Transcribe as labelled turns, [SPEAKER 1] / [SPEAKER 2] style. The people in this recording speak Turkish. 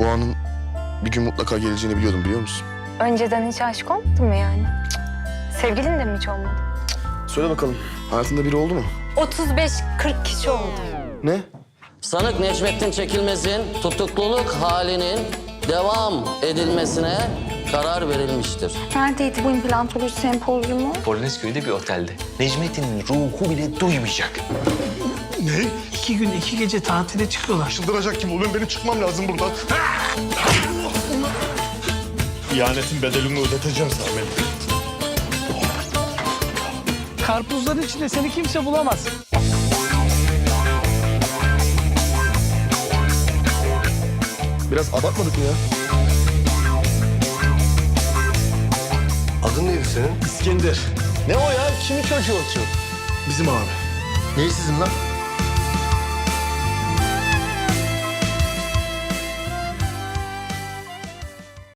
[SPEAKER 1] Bu anın bir gün mutlaka geleceğini biliyordum, biliyor musun?
[SPEAKER 2] Önceden hiç aşık olmadın mı yani? Sevgilin de mi hiç olmadı?
[SPEAKER 1] Söyle bakalım, hayatında biri oldu mu?
[SPEAKER 2] 35-40 kişi oldu.
[SPEAKER 1] Ne?
[SPEAKER 3] Sanık Necmettin Çekilmez'in tutukluluk halinin devam edilmesine karar verilmiştir.
[SPEAKER 2] Neredeydi bu implantoloji sempozyumu?
[SPEAKER 4] Polonezköy'de bir otelde. Necmettin'in ruhu bile duymayacak.
[SPEAKER 5] Ne? 2 gün 2 gece tatile çıkıyorlar.
[SPEAKER 1] Çıldıracak gibi oluyorum, benim çıkmam lazım buradan.
[SPEAKER 6] İhanetin bedelini ödeteceğim sana benim.
[SPEAKER 5] Karpuzların içinde seni kimse bulamaz.
[SPEAKER 1] Biraz abartmadık mı ya?
[SPEAKER 6] Adın neydi senin?
[SPEAKER 1] İskender.
[SPEAKER 6] Ne o ya? Kimin çocuğu o?
[SPEAKER 1] Bizim abi.
[SPEAKER 6] Neyi sizin lan?